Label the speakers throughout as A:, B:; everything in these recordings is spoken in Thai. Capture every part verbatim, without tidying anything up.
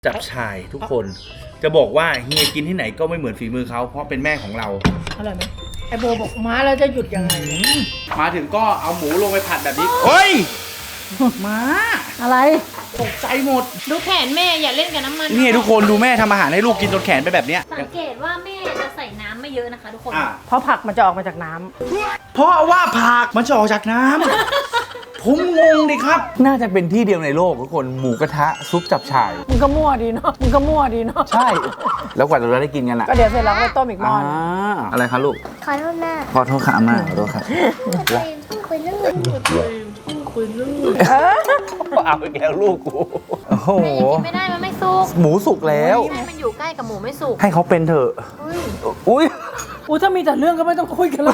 A: จับชายทุกคนจะบอกว่าเฮียกินที่ไหนก็ไม่เหมือนฝีมือเขาเพราะเป็นแม่ของเรา
B: อร่อยไหมไอโบบอกม้าแล้วจะหยุดยังไง
A: มาถึงก็เอาหมูลงไปผัดแบบนี้เฮ้ยมา
B: อะไร
A: ตกใจหมด
C: ดูแขนแม่อย่าเล่นกับน้ำมัน
A: นี่ทุกคนดูแม่ทำอาหารให้ลูกกินจนแขนไปแบบเนี้ย
C: สังเกตว่าแม่จะใส่น้ำไม่เยอะนะคะทุกคน
B: เพราะผักมันจะออกมาจากน้
A: ำเพราะว่าผักมันจะออกจากน้ำผมงงดิครับน่าจะเป็นที่เดียวในโลกทุกคนหมูกระทะซุปจับฉ่าย
B: มึงก็มั่วดีเนาะมึงก็มั่วดีเนาะ
A: ใช่แล้วกว่าเราได้กินกันอ่ะ
B: ก็เดี๋ยวเสร็จแล้วก็ต้มอีกหม้อ
A: อะไรครับลูก
D: ขอโทษแม่
A: ขอโทษค่ะอาม่าขอโทษครับ
D: คุยเรื่อง
B: คุยเรื่อง
A: เอาไปแล้วลูกกูโอ้โห
C: ไม่ได้มันไม่สุก
A: หมูสุกแล้ว
C: มันอยู่ใกล้กับหมูไม่สุก
A: ให้เขาเป็นเถอะอุ้ย
B: อุ้ยถ้ามีแต่เรื่องก็ไม่ต้องคุยกันแล้ว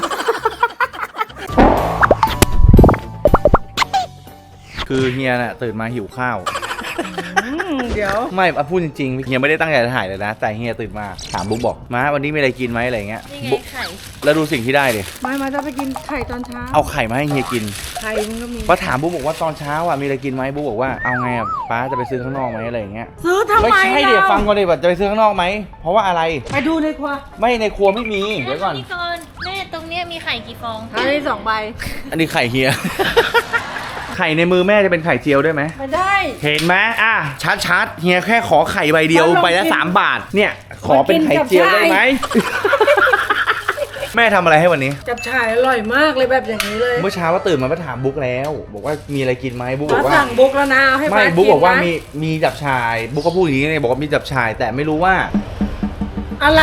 A: คือเฮียน่ะตื่นมาหิวข้าว
B: เดี๋ยว
A: ไม่พูดจริงๆเฮียไม่ได้ตั้งใจจะถ่ายเลยนะแต่เฮียตื่นมาถามบุ๊กบอกมาวันนี้มีอะไรกินไหมอะไรเงี้ย
C: บุ๊กไข่
A: แล้วดูสิ่งที่ได้ดิ
B: ไม่มาจะไปกินไข่ตอนเช้า
A: เอาไข่มาให้เฮียกิน
B: ไข่มันก็มี
A: พอถามบุ๊กบอกว่าตอนเช้าอ่ะมีอะไรกินไหมบุ๊กบอกว่าเอาไงอ่ะป้าจะไปซื้อข้างนอกไหมอะไรเงี้ย
B: ซื้อทำไม
A: ไม่ใช่เดี๋ยวฟังก่อนดิว่าจะไปซื้อข้างนอกไหมเพราะว่าอะไร
B: ไปดูในครัว
A: ไม่ในครัวไม่มีเดี๋ยวก่อน
C: แม่ตรงนี้มีไข่กี่ฟอง
B: อันนี้สองใบ
A: อันนี้ไข่เฮียไข่ในมือแม่จะเป็นไข่เจียวได้ไหม
B: ไม่ได้
A: เห็นไหมอ่ะชัดๆเฮียแค่ขอไข่ใบเดียวใบละสามบาทเนี่ยขอเป็นไข่เจียวได้ไหมแม่ทำอะไรให้วันนี้
B: จับฉ่ายอร่อยมากเลยแบบอย่างนี้เลย
A: เมื่อเช้าว่าตื่นมาไปถามบุ๊กแล้วบอกว่ามีอะไรกินไหมบุ๊กบอกว่า
B: สั่งบุ๊กแล้วนะให้
A: ไม่บุ๊กบอกว่ามีมีจับฉ่ายบุ๊กก็พูดอย่างนี้เลยบอกว่ามีจับฉ่ายแต่ไม่รู้ว่า
B: อะไร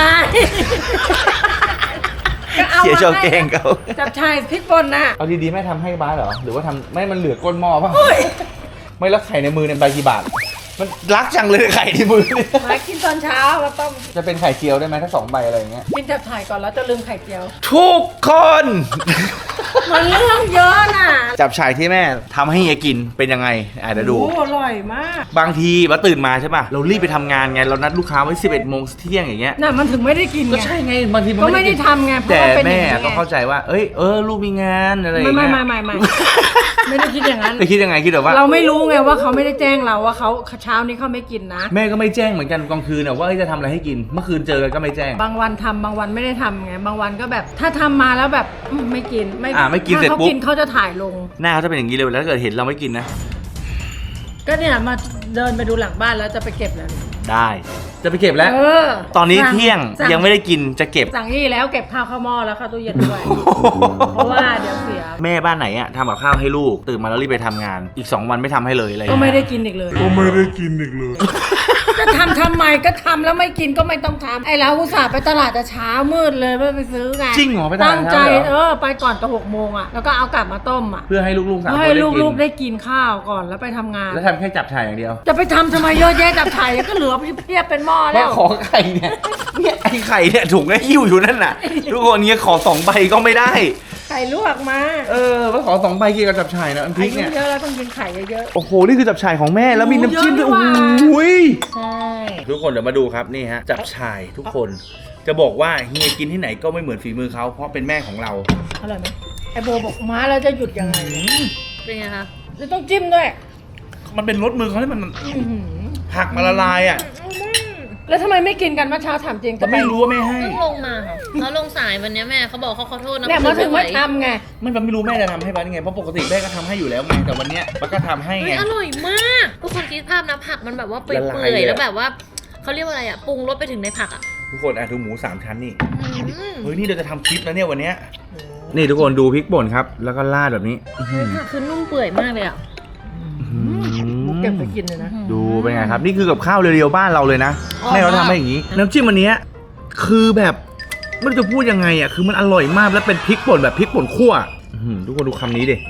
A: เสียโชว์เก่งเขา
B: จับชายพริกป่นนะ
A: เอาดีๆแม่ทำให้บ้าเหรอหรือว่าทำไม่มันเหลือก้นหม้อป่ะไม่รักไข่ในมือในใบกี่บาทมันรักจังเลยไข่ในมือเนี่ย
B: มากินตอนเช้าแล้วต้ม
A: จะเป็นไข่เจียวได้ไหมถ้าสองใบอะไรอย่างเงี้ย
B: กินจับฉ่ายก่อนแล้วจะลืมไข่เจียว
A: ทุกคน
B: มันเรื่องเยอะน่ะ
A: จับฉ่ายที่แม่ทำให้เฮียกินเป็นยังไงอ่ะเดี๋ยวดู
B: อร่อยมาก
A: บางทีว่าตื่นมาใช่ป่ะเรารีบไปทำงานไงเรานัดลูกค้าไว้สิบเอ็ดโมงเที่ยงอย่างเงี้ย
B: น่ะมันถึงไม่ได้กินไง
A: ก็ใช่ไงบางทีมัน
B: ก็ไม่ได้ทำไง
A: แต่แม่ต้องเข้าใจว่าเอ้ยเออลูกมีงานอะไรอย่างเงี้ย
B: ไม่ไม่ไม่ไม่ไม่ได้คิดอย่างนั้น
A: คิดยังไงคิดแบบว่า
B: เราไม่รู้ไงว่าเขาไม่ได้แจ้งเราว่าเขาเช้านี้เขาไม่กินนะ
A: แม่ก็ไม่แจ้งเหมือนกันกลางคืนนะว่าจะทำอะไรให้กินเมื่อคืนเจอกันก็ไม่แจ้ง
B: บางวันทำบางวันไม่ได้ทำไงบางวันก็แบบถ้าทำมาแล้วแบบไม่กินไม่
A: อ่าไม่กินเสร็จปุ๊บ
B: เขาจะถ่ายลง
A: หน้าเขาจะเป็นอย่างนี้เลยแล้วถ้าเกิดเห็นเราไม่กินนะ
B: ก็เนี่ยมาเดินไปดูหลังบ้านแล้วจะไปเก็บแล้ว
A: ได้จะไปเก็บแล้วตอนนี้เที่ยงยังไม่ได้กินจะเก็บ
B: สั่งนี่แล้วเก็บข้าวเข้าหม้อแล้วเข้าตู้เย็นด้วยเพราะว่าเดี๋ยวเสีย
A: แม่บ้านไหนอะทำกับข้าวให้ลูกตื่นมาแล้วรีบไปทำงานอีกสองวันไม่ทำให้เลยอะไร
B: ก็ไม่ได้กินอีกเลย
E: ก็ไม่ได้กินอีกเลย
B: จะทำทำไมก็ทำแล้วไม่กินก็ไม่ต้องทำไอ้เราอุตส่าห์ไปตลาดแต่เช้ามืดเลยไปซื้อไง
A: จริงเหรอไปตลาด
B: ตั้งใจเออไปก่อนตอนหกโมงอ่ะแล้วก็เอากลับมาต้มอ่ะ
A: เพื่อให้ลูกๆสามคน
B: ให้ลูกๆได้กินข้าวก่อนแล้วไปทำงาน
A: แล้วทำแค่จับฉ่ายอย่างเดียว
B: จะไปทำทำไมเยอะแยะจับฉ่ายก็เหลือเพียบเป็นหม้อแล้ว
A: ขอไข่เนี่ยเนี่ยไอ้ไข่เนี่ยถุงไอ้หิ้วอยู่นั่นน่ะทุกคนนี้ขอสองใบก็ไม่ได้
B: ไข่ลวกมา
A: เออว่าขอสองใบกินกับจับฉ่ายนะอันพริกเนี่ย
B: เยอะแล้วต้องกินไข่เยอะ
A: โอ้โหนี่คือจับฉ่ายของแม่แล้วมีน้ำจิ้มด้วยโอ้ยใช่ทุกคนเดี๋ยวมาดูครับนี่ฮะจับฉ่ายทุกคนจะบอกว่าเฮียกินที่ไหนก็ไม่เหมือนฝีมือเขาเพราะเป็นแม่ของเรา
B: อร่อยไหมไอโบบอกม้าแล้วจะหยุดยังไง
C: เป็นไงคะ
B: จะต้องจิ้มด้วย
A: มันเป็นรสมือเขาที่มันผักมาละลายอ่ะ
B: แล้วทำไมไม่กินกันเมื่อเช้าถามจริง
A: ก็ไม่รู้ว่าไม่ให้
C: ต้องลงมาค่ะเขาลงสายวันนี้แม่เขาบอกเขาขอโทษนะ
B: เนี่ยมาถึงไม่ทำไง
A: มันไม่รู้แม่จะทำให้บ้านไงเพราะปกติแม่ก็ทำให้อยู่แล้วไงแต่วันเนี้ยมันก็ทำให้ไง
C: อร่อยมากทุกคนคิดภาพนะผักมันแบบว่าเปื่อยๆแล้วแบบว่าเขาเรียกว่าอะไรอ่ะปรุงรสไปถึงในผักอ่ะ
A: ทุกคนอ่ะดูหมูสามชั้นนี่เฮ้ยนี่เราจะทำคลิปนะเนี่ยวันเนี้ยนี่ทุกคนดูพริกป่นครับแล้วก็ราดแบบนี้
C: ผักคือนุ่มเปื่อยมากเลยอ่ะ
B: เก็บไปกินเลยนะ
A: ดูเป็นไงครับนี่คือกับข้าวเรียวๆบ้านเราเลยนะแม่เราทำให้อย่างนี้น้ำจิ้มอันนี้คือแบบไม่รู้จะพูดยังไงอ่ะคือมันอร่อยมากแล้วเป็นพริกป่นแบบพริกป่นคั่วทุกคนดูคำนี้ดิ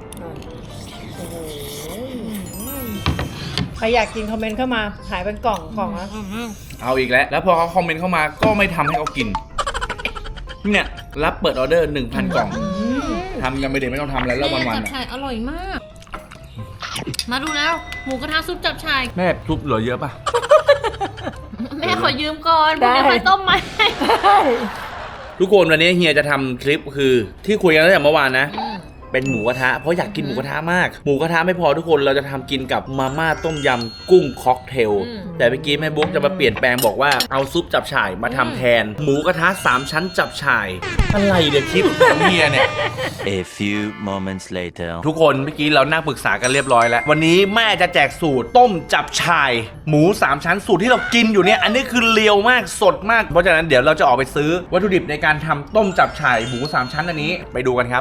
B: ใครอยากกินคอมเมนต์เข้ามาขายเป็นกล่องกล่องนะ
A: เอาอีกแล้วแล้วพอเขาคอมเมนต์เข้ามาก็ไม่ทำให้เขากินเนี่ยรับเปิดออเดอร์หนึ่งพันกล่องทำกันไปเดี๋ยวไม่ต้องทำแล้วแล้ววันๆ
C: จับฉ่ายอร่อยมากมาดูแล้วหมูกระทะซุปจับฉ่าย
A: แม่ซุปเหลือเยอะป่ะ
C: แม่ขอยืมก่อนได้ไปต้มไหม
A: ทุกคนวันนี้เฮียจะทำคลิปคือที่คุยกันตั้งแต่เมื่อวานนะเป็นหมูกระทะเพราะอยากกินหมูกระทะมากหมูกระทะไม่พอทุกคนเราจะทำกินกับมาม่าต้มยำกุ้งค็อกเทลแต่เมื่อกี้แม่บุ๊กจะมาเปลี่ยนแปลงบอกว่าเอาซุปจับฉ่ายมาทำแทนหมูกระทะสามชั้นจับฉ่ายอะไรเดี๋ยวคลิปของเฮียเนี่ย
E: A few moments later
A: ทุกคนเมื่อกี้เรานั่งปรึกษากันเรียบร้อยแล้ววันนี้แม่จะแจกสูตรต้มจับฉ่ายหมูสามชั้นสูตรที่เรากินอยู่เนี่ยอันนี้คือเลียวมากสดมากเพราะฉะนั้นเดี๋ยวเราจะออกไปซื้อวัตถุดิบในการทำต้มจับฉ่ายหมูสามชั้นอันนี้ไปดูกันครับ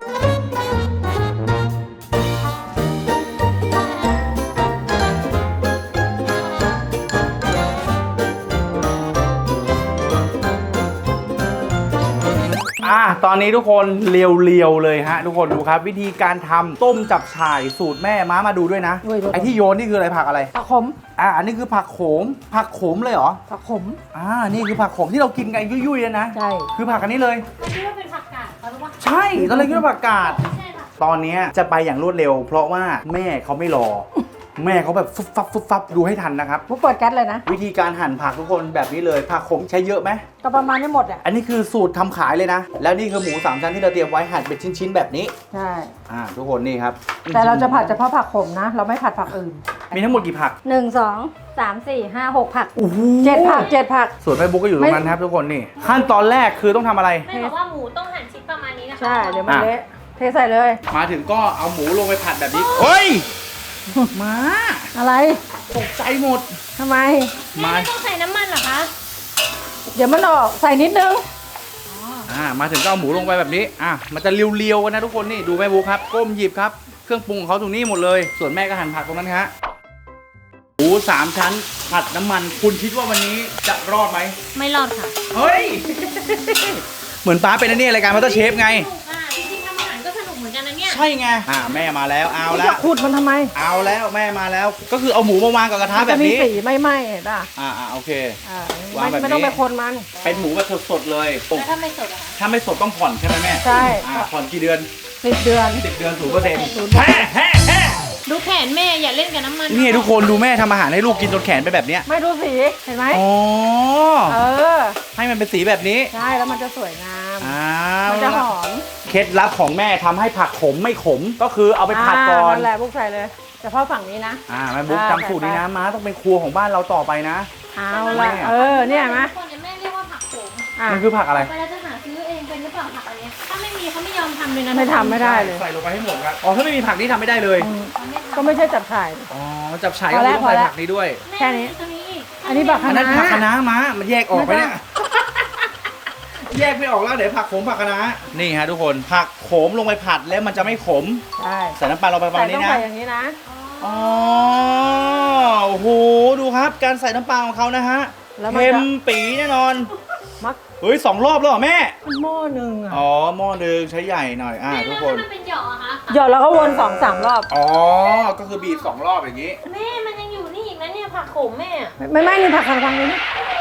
A: อ่ะตอนนี้ทุกคนเลียวๆเลยฮะทุกคนดูครับวิธีการทำต้มจับฉ่ายสูตรแม่ม้ามาดูด้วยนะไอที่โยนนี่คืออะไรผักอะไร
B: ผักขม
A: อ่ะอันนี้คือผักโขมผักโขมเลยเหรอ
B: ผักขม
A: อ่านี่คือผักโขมที่เรากินกันยุ่ยๆนะ
B: ใช่
A: คือผักอันนี้เลย
C: คิดว่าเป็นผักกาดเขาหรือว่า
A: ใช่ตอนแรกคิดว่าผักกาด
C: ไม่ใช่ค่ะ
A: ตอนนี้จะไปอย่างรวดเร็ว เพราะว่าแม่เขาไม่รอ แม่เขาแบบฟุบฟับฟุบฟับดูให้ทันนะครับ
B: มุกเปิดแก๊สเลยนะ
A: วิธีการหั่นผักทุกคนแบบนี้เลยผักโขมใช้เยอะไหม
B: ก็ประมาณนี้หมดอ่ะ
A: อันนี้คือสูตรทำขายเลยนะ แล้วนี่คือหมูสามชั้นที่เราเตรียมไว้หั่นเป็นชิ้นๆแบบนี้
B: ใช่
A: อ่าทุกคนนี่ครับ
B: แต่เราจะผัดเฉพาะผักขมนะ เราไม่ผัดผักอื่น
A: มีทั้งหมดกี่ผัก
B: หนึ่งสองสามสี่ห้าหกผัก
A: โอ้โห
B: เจ็ดผักเจ็ดผัก
A: ส่วนแม่บุ๊กก็อยู่ตรงนั้นครับทุกคนนี่ขั้นตอนแรกคือต้องทำอะไร
C: แม่บอกว่าหมูต้องหั่นชิ้นประมาณนี้นะคะ
B: ใช่ เดี๋ยวมันเละเทใส่เลย
A: มาถึงก็เอาหมูลงไปผัดแบบนี้เฮ้ยมา
B: อะไร
A: ตกใจหมด
B: ทำไม
C: แม่ไม่ต้องใส่น้ำมันเหรอคะ
B: เดี๋ยวมันออกใส่นิดนึง
A: อ่ามาถึงก็เอาหมูลงไปแบบนี้อ่ะมันจะเรียวๆกันนะทุกคนนี่ดูแม่บุ๊กครับก้มหยิบครับเครื่องปรุงของเขาตรงนี้หมดเลยส่วนแม่ก็หั่นผักตรงนั้นฮะหมูสามชั้นผัดน้ำมันคุณคิดว่าวันนี้จะรอดไหม
C: ไม่รอดค่ะ
A: เฮ้ย เหมือนป้าเป็นอันนี้รายการมาสเตอร์เชฟไง
C: สนุกอ่ะจริงๆทำอาหารก็สนุกเหมือนกันนะเนี่ย
A: ใช่ไงอ่าแม่มาแล้วเอาแล้
B: จะ
A: ว
B: ขูดมันทำไม
A: เอาแล้วแม่มาแล้ว ก็คือเอาหมูมาวางกับกระทะ
B: มัน
A: แบ
B: จะ
A: บ
B: มี
A: นี้
B: สีไม่ไหม้เห็นป่ะ
A: อ่าอ่าโอเค
B: อ่าว
A: าง
B: ไม่
A: แบบนี้
B: ไม่ต้องไปคนมัน
A: เป็นหมูแบบสดๆเลย
C: แล้วถ้าไม่สดอะคะ
A: ถ้าไม่สดต้องผ่อนใช่ไหมแม่
B: ใช่
A: อ่าผ่อนกี่เดือน
B: สิบเดือน
A: สิบเดือนศูนย์เปอร์เซ็นต์
B: ศูนย์
A: แฮ่แฮ่แฮ่
C: ดูแขนแม่อย่าเล่นกับน้ำมัน
A: นี่ทุกคนดูแม่ทำอาหารให้ลูกกินจนแขนไปนแบบเนี้ย
B: ไม่ดูสี เห็นไหม
A: อ๋อ
B: เออ
A: ให้มันเป็นสีแบบนี้
B: ใช่ แล้วมันจะสวยงาม
A: อ้า
B: มั
A: วน
B: จะหอม
A: เคล็ดลับของแม่ทำให้ผักขมไม่ขมก็คือเอาไปผัดก่อน
B: นั่นแหละพวกใส่เลยเฉพาะฝั่งนี้นะ
A: อ่าแม่บุ๊ก
B: อ่า
A: จำสูตรนี้นะม้าต้องเป็นครัวของบ้านเราต่อไปนะ
B: เอาละเออ เนี่ยเห็นไหม
C: คนเนี่ยแม่เรียกว่าผักโขม
B: อ่ะ
A: มันคือผักอะไร
C: เวลาจะหาซื้อเองเป็นหรือเปล่าผักอันเนี้ยถ้าไม่มีเขาไม่ยอมทำเลยนะ
B: ไม่ทำไม่ได้เลย
A: ใส่ลงไปให้หมดครับอ๋อถ้าไม่มีผักนี่ทำไม่ได้เลย
B: อืม
C: เขาไม่ทำ
B: ก็ไม่ใช่จับฉ่าย
A: อ๋อจับฉ่าย
B: พ
A: ก็
B: อแล้
A: ต้
B: ว
A: องใส่
B: พอแล้ว
A: ผักนี้ด้วย
B: แค่นี้
C: ม่ตรงนี้อีก
B: อันนี้บัก
A: อันนั้นผักคะน้าม้ามันแยกออกไปเนี่ย
B: ไม่
A: แยกไม่ออกแล้วเดี๋ยวผักโขมผักคะน้านี่ฮะทุกคนผักโขมลงไปผัดแล้วมันจะไม่ขม
B: ใช่
A: ใส่น้ำปลาลงไปประ
B: ใส่
A: มาณ
B: ต้
A: นี้
B: อง
A: นะ
B: ใส่อย่างนี้นะ
A: อ๋อโอ้โหดูครับการใส่น้ำปลาของเขานะฮะ
B: แล้วมัน
A: เค็ม
B: จะ
A: ปีแน่นอน
B: มัก
A: เฮ้ยสองรอบแล้วเหรอแม่
B: มันหม้อหนึ่งอ่ะ
A: อ๋อหม้อหนึ่งใช้ใหญ่หน่อยอ่า
C: แม่
A: ทุ
C: แล้
A: ก
C: ว
A: คน
C: ถ้ามันเป็นหยอกอะคะ
B: หยอดแล้วก็วนสองสามรอบ
A: อ๋อก็คือบีบสองรอบอย่างนี้
C: แม่มันยังอยู่นี่อีกนะเนี่ยผักโขมแม่อะ
B: ไม่ไม่นี่ผักคันฟังเลยนี่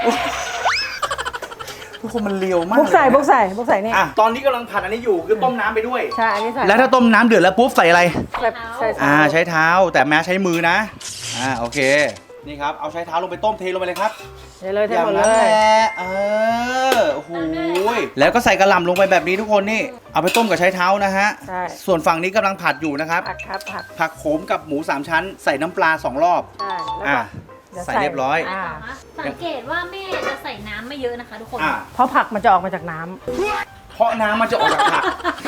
A: ทุกคนมันเลียวมาก
B: บุกใส่
A: เลยนะ
B: บุกใส่บุกใส่นี่
A: อ่ะตอนนี้กำลังผัดอันนี้อยู่คือต้มน้ำไปด้วย
B: ใช่ อันนี้ใส่
A: แล้วถ้าต้มน้ำเดือดแล้วปุ๊บใส่อะไร
B: ใส่ใส่
A: อ่าใช้เท้าแต่แม้ใช้มือนะ อ่าโอเค นี่ครับเอาใช้เท้าลงไปต้มเทลงไปเลยครับ
B: เดี๋ยวเลยเท
A: อย่าง
B: หมดเล
A: นั้นแห
B: ย
A: ละเออโอ้โหยแล้วก็ใส่กระหล่ำลงไปแบบนี้ทุกคนนี่ เอาไปต้มกับใช้เท้านะฮะ
B: ใช่
A: ส่วนฝั่งนี้กำลังผัดอยู่นะครับ
B: ผักครับผัก
A: ผักโขมกับหมูสามชั้น ใส่น้ำปลาสองรอบ
B: ใช่แล้ว
A: อ่า
B: ก็ดี๋ยว
A: ใส่เรียบร้อย
B: อ่า
C: สังเกตว่าแม่จะใส่น้ำไม่เยอะนะคะทุกคน
A: อ่า
B: เพราะผักมันจะออกมาจากน้ำ
A: เพราะน้ำมันจะออกจากผัก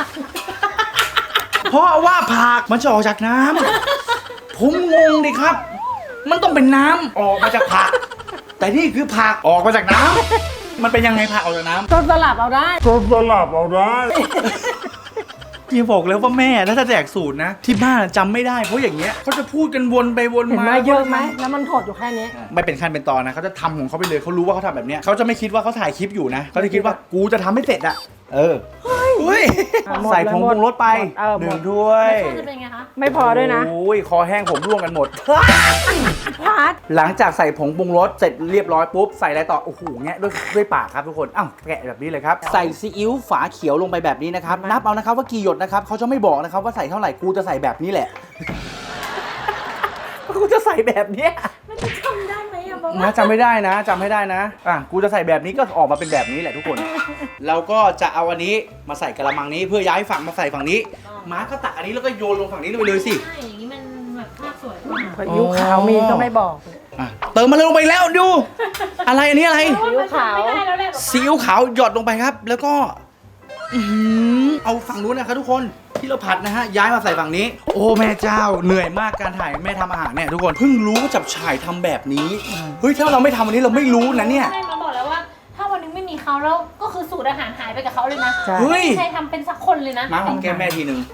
A: เพราะว่าผักมันจะออกจากน้ำผมงงดิครับ มันต้องเป็นน้ำออกมาจากผัก แต่นี่คือผักออกมาจากน้ำมันเป็นยังไงผักออกจากน้ำ
B: ก็สลับเอาได้
A: พี่บอกแล้วว่าแม่ถ้าจะแจกสูตรนะ ที่บ้านจำไม่ได้เพราะอย่างเงี้ยเขาจะพูดกันวนไปวน
B: เห็น
A: มา
B: ไหมเยอะไหมแล้วมันถดอยู่แค่นี้
A: ไม่เป็นขั้นเป็นตอนนะเขาจะทำของเขาไปเลยเขารู้ว่าเขาทำแบบเนี้ยเขาจะไม่คิดว่าเขาถ่ายคลิปอยู่นะเขาจะคิดว่ากูจะทำให้เสร็จอะเออเฮ้ย
B: อ่ะหมด
A: ใส่ผง
B: เลยหม
A: ป
B: ด
A: รุงรสไป
B: เออหมด
A: หนึ่งถ้วย
C: รสชาติจะเป็นไงคะ
B: ไม่พอด้วยนะ
A: โอ้ยคอแห้งผมร่วงกันหมด
B: พัด
A: หลังจากใส่ผงปรุงรสเสร็จเรียบร้อยปุ๊บใส่อะไรต่อโอ้โหแงะด้วยด้วยปากครับทุกคนอ้าวแกะแบบนี้เลยครับใส่ซีอิ๊วฝาเขียวลงไปแบบนี้นะครับนับเอานะครับว่ากี่หยดนะครับเขาจะไม่บอกนะครับว่าใส่เท่าไหร่กูจะใส่แบบนี้แหละ กูจะใส่แบบเนี้ย
C: มันจะทำได้ไหมอะบอกว่า
A: นะจำไม่ได้นะจำไม่ได้นะอ่ะกูจะใส่แบบนี้ก็ออกมาเป็นแบบนี้แหละทุกคนเราก็จะเอาอันนี้มาใส่กระมังนี้เพื่อย้ายฝั่งมาใส่ฝั่งนี้ม้าก็ตักอันนี้แล้วก็โยนลงฝั่งนี้ลงไปเลยสิ
C: ใช่อย่างนี้มันแบบภาพสวยกว่า
B: พายุขาวมีก็ไม่บอก
A: อ่ะเติมมาลงไปแล้วดู อะไรอันนี้อะไร
B: ซีอิ๊วขาว
C: ไม่ได้แล้วแหละ
A: ซีอิ๊วขาวหยดลงไปครับ แล้วก็อื้อหือเอาฝั่งนู้นนะครับทุกคนที่เราผัดนะฮะย้ายมาใส่ฝั่งนี้ โอ้แม่เจ้าเหนื่อยมากการถ่ายแม่ทำอาหารเนี่ยทุกคนเพิ่งรู้ว่าจับฉ่ายทำแบบนี้เฮ้ยถ้าเราไม่ทำวันนี้เราไม่รู้นะเนี่ย
C: ใช่มาบอกแล้วว่า ถ้าวันนึงไม่มีเขาแล้วก็คือสูตรอาหารหายไปกับเขาเลยนะ
B: ใช่
A: เฮ้ย
C: ไม่ใครทำเป็นสักคนเลยนะ
A: ม้าของแก้มแม่ทีหนึ่ง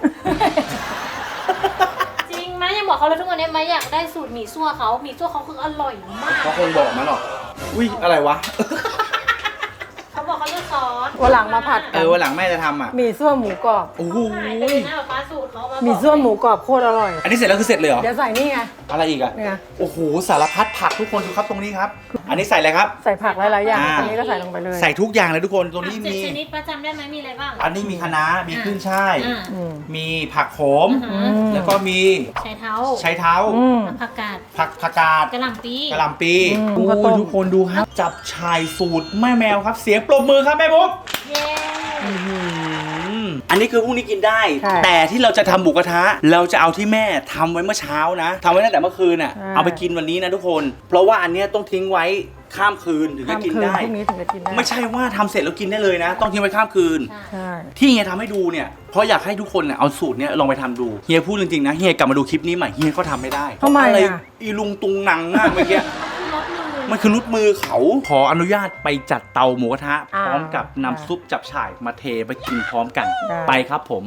C: จริงไหมยังบอกเขาเลยทุกวันนี้ไหมอยากได้สูตรหมี่ซั่วเขาหมี่ซั่วเขาคืออร่อยมาก
A: เขาคงบอกมาหรอกอุ้ยอะไรวะ
C: เขาบอกเขาเลือกซอส
B: วันหลังมาผัด
A: เออวันหลังแม่จะทำอ่ะ
B: หมี่ซั่วหมูกรอบ
A: โอ้โห
C: หายไปเลยนะฟ้าสูตรเขามาบอก
B: หมี่ซั่วหมูกรอบโคตรอร่อย
A: อันนี้เสร็จแล้วคือเสร็จเลยเหรอ
B: เดี๋ยวใส่นี่ไง
A: อะไรอีกอ่ะ
B: เนี่ย
A: โอ้โหสารพัดผักทุกคนดูครับตรงนี้ครับ อันนี้ใส่อะไรครับ
B: ใส่ผักหลายๆอย่าง
A: อ่า
B: อันนี้ก็ใส่ลงไปเลย
A: ใส่ทุกอย่างเลยทุกคนตรงนี้
C: เจ็ด
A: มี
C: ชนิดประจำได้ไหมมีอะไรบ้าง
A: อันนี้มีคะน้ามีขึ้นช่าย
C: อ่า
B: อืม
A: มีผักโขม
C: อือ
B: อื
C: หือ
B: ม
A: แล้วก็มี
C: ใช้เท้า
A: ไชเท้า
B: อืม
C: ผักกาด
A: ผักผักกาด
C: กระหล่ำปี
A: กระหล่ำปี
B: อืม
A: โอ้
B: ข้าวต้
A: ย
B: ม
A: ทุกคนดูครับ จับชายสูตรแม่แมวครับ เสียงปรบมือครับแม่บุ๊ก
C: เย้
A: อืมอันนี้คือพรุ่งนี้กินได้
B: ใช่
A: แต่ที่เราจะทำหมูกระทะ เราจะเอาที่แม่ทำไว้เมื่อเช้านะทำไว้ตั้งแต่เมื่อคืนอ่ะ
B: อ่า
A: เอาไปกินวันนี้นะทุกคน เพราะว่าอันเนี้ยต้องทิ้งไว้ข้ามคืนถึงจะ
B: ข้าม
A: กิน
B: คืน
A: ได้
B: พรุ่งนี้ถึงจะกินได้
A: ไม่ใช่ว่าทำเสร็จแล้วกินได้เลยนะ ต้องทิ้งไว้ข้ามคืน
B: ใช่
A: ที่เฮียทำให้ดูเนี่ย เพราะอยากให้ทุกคนเนี่ยเอาสูตรเนี้ยลองไปทำดู เฮียพูดจริงๆนะ เฮียกลับมาดูคลิปนี้ใหม่ เฮียก็ทำไม่ได้
B: ทำไม
A: อะไร
B: อ่ะ
A: อีลุงตุงนังมากเมื่อกี้
C: รสมือ
A: มันคือรุดมือเขา ขออนุญาตไปจัดเตาหมูกระทะ
B: อ่า
A: พร้อมกับน้ำซุปจับฉ่ายมาเทไปกินพร้อมกัน
B: ได้
A: ไปครับผม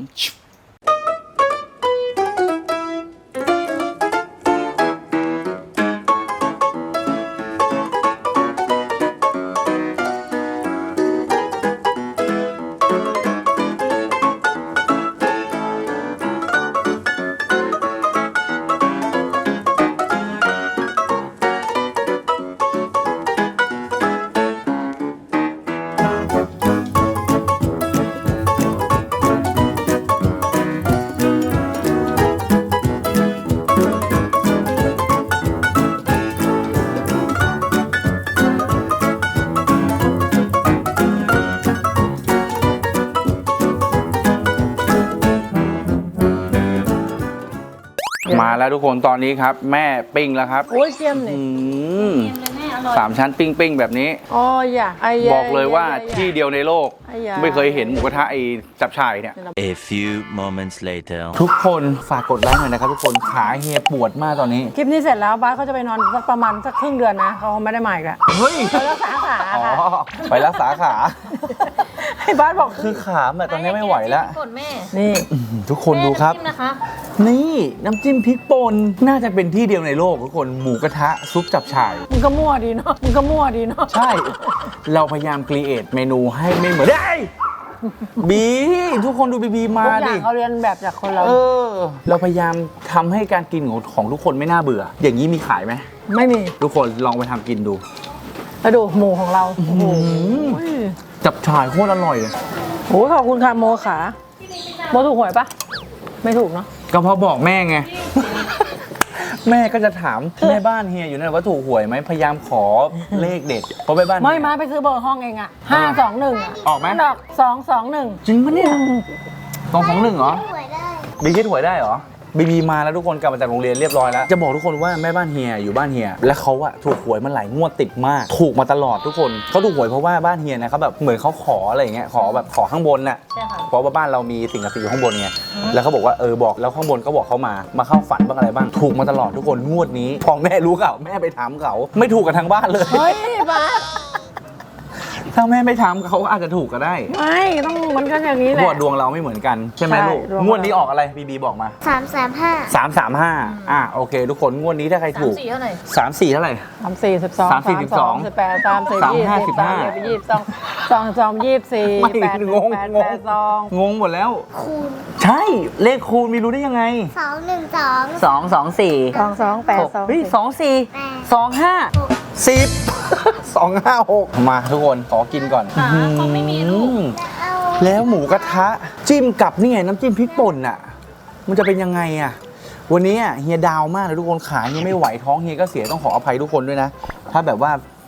A: มาแล้วทุกคนตอนนี้ครับ แม่ปิ้งแล้วครับ
B: โอ้ยเจียมนี่
A: อืม
C: เค็มเลยแม่อร่อย
A: สามชั้นปิ้งปิ้งๆแบบนี้
B: อ๋ออย่าไอ้ยา
A: บอกเลยว่า
B: ไอ้ย
A: ที่เดียวในโลก
B: ไอ้ยา
A: ไม่เคยเห็นหมูกระทะไอ้จับฉ่ายเนี่ย
E: A few moments later.
A: ทุกคนฝากกดไลค์หน่อยนะครับทุกคนขาเฮียปวดมากตอนนี้
B: คลิปนี้เสร็จแล้วบ้าสเขาจะไปนอนสักประมาณสักครึ่งเดือนนะเขาไม่ได้มาอีกแล้ว
A: เฮ้ย
B: ไปรักษาขา
A: อ๋อ
B: ค่ะ
A: ไปรักษาขา
B: ให้บ้าสบอก
A: คือขาแบบตอนนี้ไม่ไหวแล้ว
C: กดแม่
B: นี่
A: อื้อหือทุกคนดูครับ
C: แม่น้ำจิ้มนะคะ
A: นี่น้ำจิ้มพริกป่นน่าจะเป็นที่เดียวในโลกทุกคนหมูกระทะซุปจับฉ่าย
B: มึงก็มั่วดีเนาะมึงก็มั่วดีเนาะ
A: ใช่ เราพยายามครีเอทเมนูให้ไม่เหมือนได้บีทุกคนดูบีบีมา
B: ทุกอ
A: ดิ
B: ย่างเขาเรียนแบบจากคนเรา
A: เออ เราพยายามทำให้การกินของของทุกคนไม่น่าเบื่อ อย่างนี้มีขายไหม
B: ไม่มี
A: ทุกคนลองไปทำกินดู
B: แล้วดูหมูของเราโอ้โห
A: จับฉ่ายโคตรอร่อย
B: โอ้ขอบคุณค่ะโมขาโมถูกหวยปะไม่ถูกเนาะ
A: ก็เพราะบอกแม่ไง แม่ก็จะถามแม่บ้านเฮียอยู่นั่นว่าถูกหวยไหมพยายามขอเลขเด็ดเพราะแม่บ้าน
B: ไม่มาไปซื้อเบอร์ห้องเองอะห้าสองหนึ่งอะ
A: ออกไหม
B: ดอกสองสองหนึ่ง
A: จริงปะเนี่ยสองสองหนึ่งเหรอ
D: สวยได้
A: บีคิดหวยได้เหรอบีบีมาแล้วทุกคนกลับมาจากโรงเรียนเรียบร้อยแล้วจะบอกทุกคนว่าแม่บ้านเฮียอยู่บ้านเฮียและเขาอะถูกหวยมาหลายงวดติดมาก ถูกมาตลอดทุกคนเขาถูกหวยเพราะว่าบ้านเฮียนะเขาแบบเหมือนเขาขออะไรอย่างเงี้ยขอแบบขอข้างบนน่ะ
C: ใช่ค่ะ
A: เพราะว่าบ้านเรามีสิ่งศักดิ์สิทธิ์อยู่ข้างบนไงแล้วเขาบอกว่าเออบอกแล้วข้างบนเขาบอกเขามามาเข้าฝันบ้างอะไรบ้างถูกมาตลอดทุกคนงวดนี้พอแม่รู้ข่าวแม่ไปถามเขาไม่ถูกกับทางบ้านเลย
B: เฮ้ยบ้าส
A: ถ้าแม่ไม่ถามเขาอาจจะถูกก็ได้
B: ไม่ต้องมันก็อย่างนี้แห
A: เพราะ
B: ละ
A: ว่าดวงเราไม่เหมือนกันใช่ไหม
B: ใช่
A: ลูก
B: ดวงเรา
A: งวดนี้ออกอะไรบีบีบอกมา
D: สามสามห้า
A: สามสามห้าอ่ะโอเค ทุกคนงวดนี้ถ้าใคร
C: สาม
A: ถูก
C: สี่เท่าไหร่
A: สามสี่เท่าไหร่
B: สามสี่สิบสอง
A: สามสี่สิบสอง
B: สิบแปดสามสี่
A: สาม
B: ยี่
A: ห้า
B: สิบ
A: สิบห้า
B: สามยี่สิบสองสองสองยี่สิบสี่
A: ไม่
B: แปด
A: งง
B: แปด
A: งง
B: แปดสอง
A: งงหมดแล้ว
D: คูณ
A: ใช่เลขคูณมีรู้ได้ยังไง
D: สองหนึ่งสอง
A: สองสองสี่
B: สองสองแปดสอง
A: เฮ้ยสองสี่
D: แปด
A: สองห้าสิบสองห้าหกมาทุกคนขอกินก่อน
C: ขาเขาไม่มีลูก
A: อืม
D: เอา
A: แล้วหมูกระทะจิ้มกับนี่ไงน้ำจิ้มพริกป่นอ่ะ มันจะเป็นยังไงอ่ะ วันนี้อ่ะเฮียดาวมากเลยทุกคนขาเฮียไม่ไหวท้องเฮียก็เสียต้องขออภัยทุกคนด้วยนะ ถ้าแบบว่า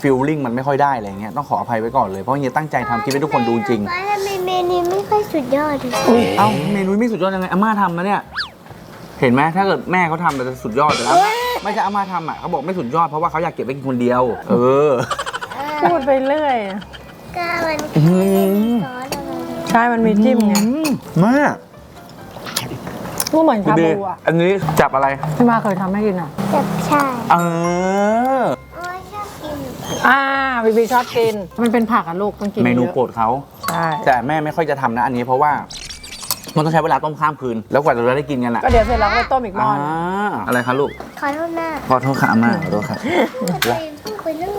A: ฟิลลิ่งมันไม่ค่อยได้อะไรเงี้ยต้องขออภัยไว้ก่อนเลยเพราะเฮียตั้งใจทำคลิปให้ทุกคนดูจริง
D: ป้าทำไมเมนูไม่ค่อยสุดยอดเลย
A: เอ้าเมนูไม่สุดยอดยังไงอาม่าทำนะเนี่ยเห็นไหมถ้าเกิดแม่เขาทำมันจะสุดยอดแต่แล้วไม่ใช่อาม่าทำอ่ะเขาบอกไม่สุดยอดเพราะว่าเขาอยากเก็บไว้กินคนเดียว เออ
B: พูดไปเรื่อย
D: ก็มัน
A: อืม
D: ซอสอะไร
B: ใช่ มันมีจิ้มไง
A: มาก
B: ก็เหมือนชา
A: ดี
B: บูอ่ะ
A: อันนี้จับอะไร
B: ที่มาเคยทำให้กินอ่ะ
D: จับชาย
A: เออ
D: โอ้ยชอบกิน
B: อ่าบีบีชอบกิน มันเป็นผักอ่ะลูกต้องกิน
A: เมนู
B: เยอะ
A: โปรดเขา
B: ใช่
A: แต่แม่ไม่ค่อยจะทำนะอันนี้เพราะว่ามันต้องใช้เวลาต้มข้ามคืน แล้วกว่าจะได้กินกันอ่ะ
B: ก็เดี๋ยวเสร็จแล้วก็ไปต้มอีกหม้อ
A: อ่า
B: นึง
A: อะไรคะลูก
D: ขอโทษนะ
A: ขอโทษค่ะอาม่าขอโทษค่ะ
D: ตัวเองเพิ่งคุยเรื่อง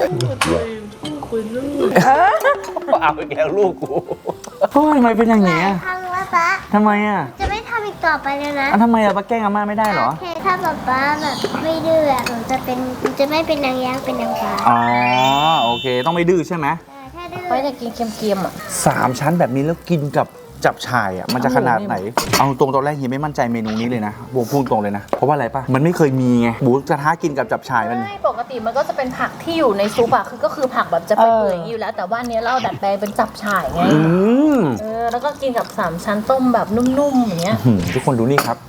A: เอาอีกแล้วลูกกูโอ้ยทำไมเป็นอย่างนี้อะ
D: ครั้งแล้วป้า
A: ทำไมอ่ะ
D: จะไม่ทำอีกต่อไปแล้วนะ
A: อ่ะทำไมอ่ะป้าแกล้งอาม่าไม่ได้เหรอ
D: โอเคถ้าป๊าป๊าแบบไม่ดื้ออะหนูจะเป็นหนูจะไม่เป็นนางยักษ์เป็นนางฟ้า
A: อ๋อโอเค ต้องไม่ดื้อใช่ไหม
D: แต่ถ้าดื้อ
C: ไม่อยากกินเค็มๆอ่ะ
A: สามชั้นแบบนี้แล้วกินกับจับฉ่ายอ่ะมันจะขนาดไหน เอาตรงตอนแรกเฮียไม่มั่นใจเมนูนี้เลยนะบูพูดตรงเลยนะเพราะว่าอะไรป่ะมันไม่เคยมีไงหมูกระทะกินกับจับฉ่ายมัน
C: ใช่ปกติมันก็จะเป็นผักที่อยู่ในซุปอะคือก็คือผักแบบจะไปเปื่อยอยู่แล้ว แต่ว่าอันเนี้ยเราดัดแปลงเป็นจับฉ่ายไง
A: อืม
C: เออแล้วก็กินกับสามชั้นต้มแบบนุ่มๆอย่างเงี้ย
A: หืมทุกคนดูนี่ครับ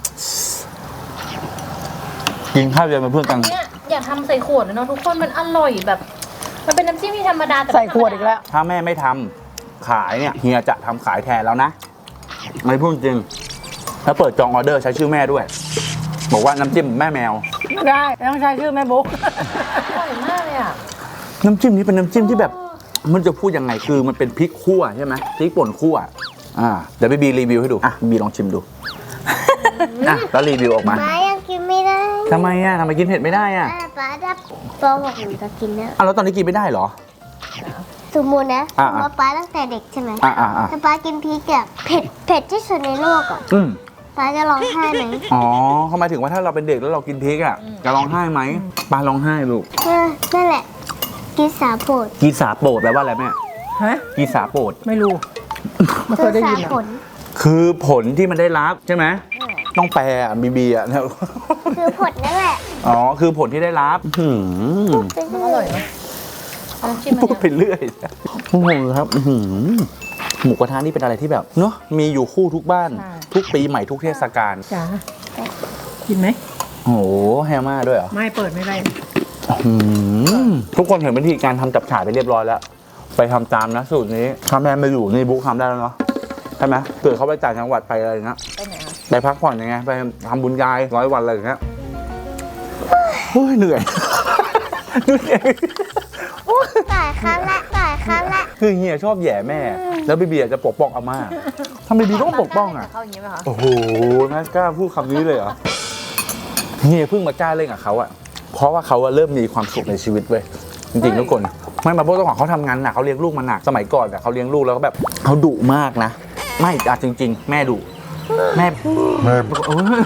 A: กินข้าวเย็นเป็นเพื่อนกัน
C: เนี่ยอยากทำใส่ขวดเลยเนาะทุกคนมันอร่อยแบบ มันเป็นน้ำจิ้มที่ธรรมดาแต่
B: ใส่
C: ไม่
B: ขวดอีกแล้ว
A: ถ้าแม่ไม่ทำขายเนี่ยเฮียจะทำขายแทนแล้วนะไม่พูดจริงแล้วเปิดจองออเดอร์ใช้ชื่อแม่ด้วย บอกว่าน้ำจิ้มแม่แมว
B: ไม่ได้ต้องใช้ชื่อแม่บุ๊ก
C: อร่อยมากเลยอะ
A: น้ำจิ้มนี้เป็นน้ำจิ้มที่แบบ มันจะพูดยังไงคือมันเป็นพริกคั่วใช่ไหมพริกป่นคั่วอ่าเดี๋ยวพี่บีรีวิวให้ดูอ่ะบีลองชิมดูอ่ะแล้วรีวิวออกมา
D: ป๊ายังกินไม่ได้
A: ทำไมอ่ะทำไมกินเผ็ดไม่ได้อ่ะ
D: อ่ะป๊าถ้าปหกหนูจะกินแล้ว
A: อ่ะแล้วตอนนี้กินไม่ได้เหรอ
D: สมมตินะ
A: อ่ะ
D: สมมติป๊าตั้งแต่เด็กใช่ไหม
A: อ่ะอ่ะอ่ะ
D: ถ้าป๊ากินพริกอะเผ็ดเผ็ดที่สุดในโลกอะ
A: อืม
D: ป๊าจะร้องไห้ไหม
A: อ๋อเขาหมายถึงว่าถ้าเราเป็นเด็กแล้วเรากินพริกอ่ะจะร้องไห้ไหมปลาร้องไห้ลูก
D: เออนั่นแหละ กินสาโผด
A: กีสาโปรดแปลว่าอะไรแม่
B: ฮะ
A: กีสาโปรด
B: ไม่รู้ไม่เคยได้ยิน
D: สา
B: อ่ะ
D: ผล
A: คือผลที่มันได้รับใช่ไหมต้องแปลอ่ะบีบีอ่ะ
D: คือผลนั่นแหละ
A: อ๋อคือผลที่ได้รับหืม
C: มันอร่อยเนาะน้ำจิ้มมัน
A: พูด
C: เนี่ย
A: ไปเรื่อยโอ้โหครับอื้อหือหมูกระทะนี่เป็นอะไรที่แบบเนาะมีอยู่คู่ทุกบ้าน ทุกปีใหม่ทุกเทศกาล
B: จ๋ากินไหม
A: โอ้โหแฮมม่าด้วยเหรอ
B: ไม่เปิดไม่ได้
A: อืมทุกคนเห็นวิธีการทำจับฉ่ายไปเรียบร้อยแล้ว ไปทำตามนะสูตรนี้ถ้าแม่ไม่อยู่นี่บุ๊กทำได้แล้วเนาะใช่ไหมเกิดเขาไปต่างจังหวัดไปอะไรนะ
C: ไปไหนอะ
A: ไปพักผ่อนยังไงไปทำบุญยายร้อยวันอะไรอย่างเงี้ยโอ้ยเหนื่อยเหนื่อย
D: ตายครั้งละตายครั้งละ
A: คือเฮียชอบแหย่แม่ แล้วบีบีอาจจะปกป้องอาม่าทำไมบีต้องปกป้องอ่ะ
C: เข้าอย่างนี้ไหมคะ
A: โอ้โหน่ากล้าพูดคำนี้เลยเหรอเฮียเพิ่งมากล้าเล่นกับเขาอ่ะเพราะว่าเขาอะเริ่มมีความสุขในชีวิตเว้ยจริงๆทุกคนไม่มาเพราะเจ้าของเขาทำงานหนักเขาเลี้ยงลูกมาหนักสมัยก่อนอะเขาเลี้ยงลูกแล้วก็แบบเขาดุมากนะไม่อะจริง ๆ แม่ดุแม่แม่เออ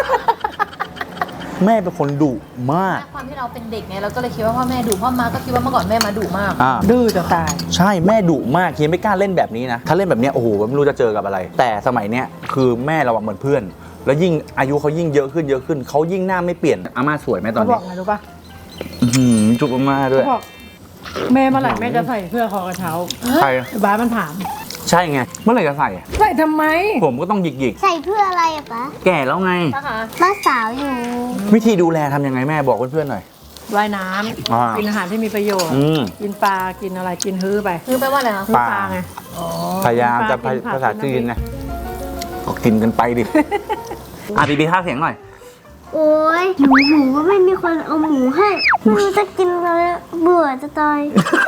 A: แม่เป็นคนดุมาก
C: ความที่เราเป็นเด็กไงเราก็เลยคิดว่าพ่อแม่ดุพ่อมาก็คิดว่าเมื่อก่อนแม่มาดุมาก
A: อ่า
B: ดื้อจะตาย
A: ใช่แม่ดุมากเฮียไม่กล้าเล่นแบบนี้นะถ้าเล่นแบบเนี้ยโอ้โหไม่รู้จะเจอกับอะไร แต่สมัยเนี้ยคือแม่เราอะเหมือนเพื่อน แล้วยิ่งอายุเขายิ่งเยอะขึ้นเยอะขึ้นเขายิ่งหน้าไม่เปลี่ยนอาม่าสวยไหมตอน
B: เขาบ
A: นี้
B: อกไงรู้ป่ะ
A: อื้อหือจุกอาม่าด้วย
B: เขาบอกแม่เมื่อไหร่แม่จะใส่เสื้อคอกระเช้า
A: ใช่
B: ไอ้บ้าสมันถาม
A: ใช่ไงเมื่อไหร่จะใส่อะ
B: ใส่ทำไม
A: ผมก็ต้องหยิกหยิก
D: ใส่เพื่ออะไรอะป๊า
A: ๆแก่แล้วไง
C: นะคะ
D: ป้าสาวอยู่
A: วิธีดูแลทำยังไงแม่บอกเพื่อนๆหน่อย
B: ว่ายน้
A: อ่า
B: ำกินอาหารที่มีประโยชน์
A: อืม
B: กินปลา กินอะไร กินฮื้อไป
C: คือแปลว่าอะไรคะ
B: ฮื้อ
A: ปลา
B: ปลาไง
C: อ๋อ
A: พยายามจะ
B: กินผัก
A: ภาษา
B: กิน
A: จีน
B: น้ำพริก
A: นะก็กินกันไปดิ อ่ะบีบีท่าเสียงหน่อย
D: โอ้ยหมูหมูก็ไม่มีคนเอาหมูให้ไม่รู้จะกินอะไรเบื่อจะตาย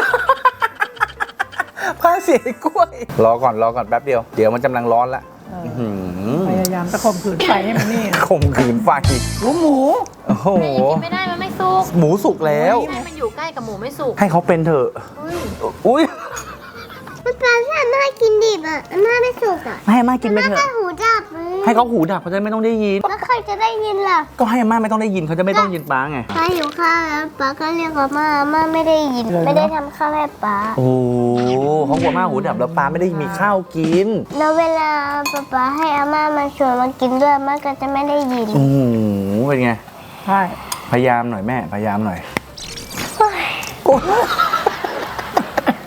A: พาเสียกล้วย รอก่อนรอก่อนแป๊บเดียว เดี๋ยวมันกำลังร้อนละ
B: เออ
A: หืม
B: พยายามตะข่มขืนไฟให้มันนี่
A: ข่มขืนไฟ
B: หมูหมู
A: โอ้โห
C: แม่ยังกินไม่ได้มันไม่สุก
A: หมูสุกแล้ว
C: แม่มันอยู่ใกล้กับหมูไม่สุก
A: ให้เขาเป็นเถอะ อุ้ย
D: มันปลาที่อาม่ากินดิบอะอาม่าไม่สุกอะ
A: ให้อาม่ากินไป
D: อา
A: เถ
D: ม่า
A: อะ
D: หูดับเลย
A: ให้เขาหูดับเขาจะไม่ต้องได้ยิน
D: แล้วใครจะได้ยินล่ะ
A: ก็ให้อาม่าไม่ต้องได้ยินเขาจะไม่ต้องยินป้าไง
D: ป้าหิวข้าวแล้วป้าก็เรียกอาม่าอาม่าไม่ได้ยิน ไม่ได้ทำข้าวให้ป้า
A: โอ้โหเขากลัวอาม่าหูดับแล้วป้าไม่ได้มีข้าวกิน
D: แล้วเวลาป๊าป๊าให้อาม่ามาชวนมากินด้วยอาม่าก็จะไม่ได้ยิน
A: โอ้โหเป็นไง
B: ใช่
A: พยายามหน่อยแม่ พยายามหน่อย